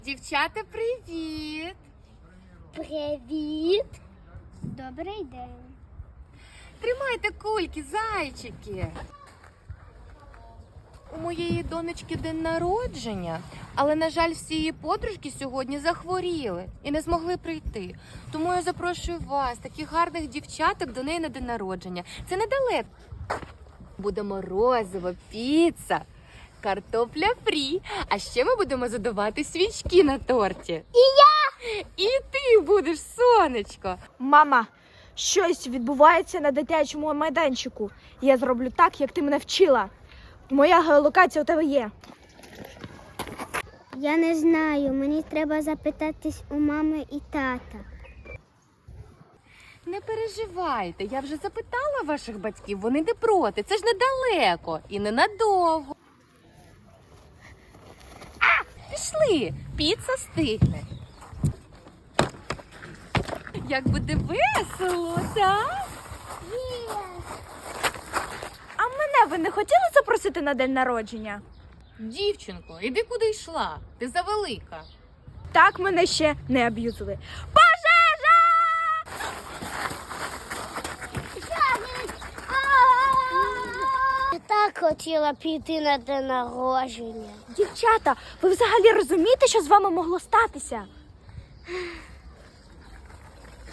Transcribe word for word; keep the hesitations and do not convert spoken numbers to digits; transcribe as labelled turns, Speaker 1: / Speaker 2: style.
Speaker 1: Дівчата, привіт!
Speaker 2: Привіт! Добрий день!
Speaker 1: Тримайте кульки, зайчики! У моєї донечки день народження, але, на жаль, всі її подружки сьогодні захворіли і не змогли прийти. Тому я запрошую вас, таких гарних дівчаток, до неї на день народження. Це недалеко. Буде морозиво, піца, картопля фрі, а ще ми будемо задувати свічки на торті.
Speaker 2: І я!
Speaker 1: І ти будеш, сонечко.
Speaker 3: Мама, щось відбувається на дитячому майданчику. Я зроблю так, як ти мене вчила. Моя геолокація у тебе є.
Speaker 2: Я не знаю, мені треба запитатись у мами і тата.
Speaker 1: Не переживайте, я вже запитала ваших батьків, вони не проти. Це ж недалеко і ненадовго. А, пішли, піца стигне. Як буде весело, так?
Speaker 3: А мене ви не хотіли запросити на день народження?
Speaker 1: Дівчинко, іди куди йшла, ти завелика.
Speaker 3: Так мене ще не аб'юзили. Пожежа!
Speaker 2: Я так хотіла піти на день народження.
Speaker 3: Дівчата, ви взагалі розумієте, що з вами могло статися?